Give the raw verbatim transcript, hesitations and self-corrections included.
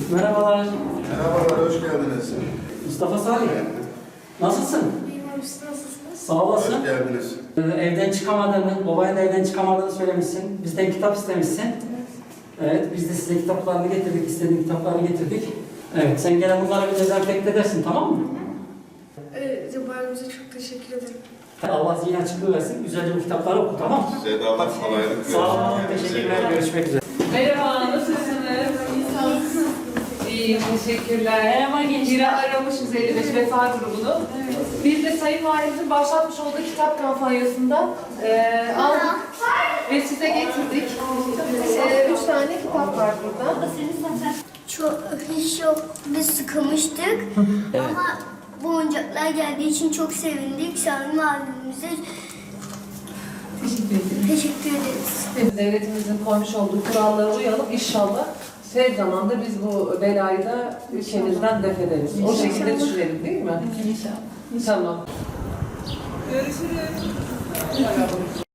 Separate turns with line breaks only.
Merhabalar.
Merhabalar, hoş geldiniz.
Mustafa Salih. Nasılsın?
İyiyim abi, siz nasılsınız?
Sağ olasın.
Hoş geldiniz.
Ee, Evden çıkamadığını, babanın da evden çıkamadığını söylemişsin. Bizden kitap istemişsin. Evet, biz de size kitaplarını getirdik, istediğin kitaplarını getirdik. Evet, sen gene bunları bir dezenfekte edersin, tamam mı?
Ee, Cebrail'imize çok teşekkür ederim.
Allah zihin açıklığı versin, güzelce bu kitapları oku, tamam mı?
Size de Allah kolaylık versin.
Sağ olun, teşekkürler, görüşmek üzere.
Merhaba, nasılsınız? İyiyim, teşekkürler. Merhaba gençler. Biri aramışız elli beş Vefa grubunu. Biz de Sayın Valimizin başlatmış olduğu kitap kampanyasında e, aldık ve size getirdik. E, üç tane kitap var burada.
Çok, hiç yok. Biz sıkılmıştık. Ama bu oyuncaklar geldiği için çok sevindik. Salim abimize
Teşekkür ederim.
teşekkür ederiz.
Devletimizin koymuş olduğu kurallara uyalım inşallah. Tez zamanda biz bu belayı da ülkemizden def ederiz. O şekilde düşünelim değil mi? İnşallah. Tamam. Görüşürüz.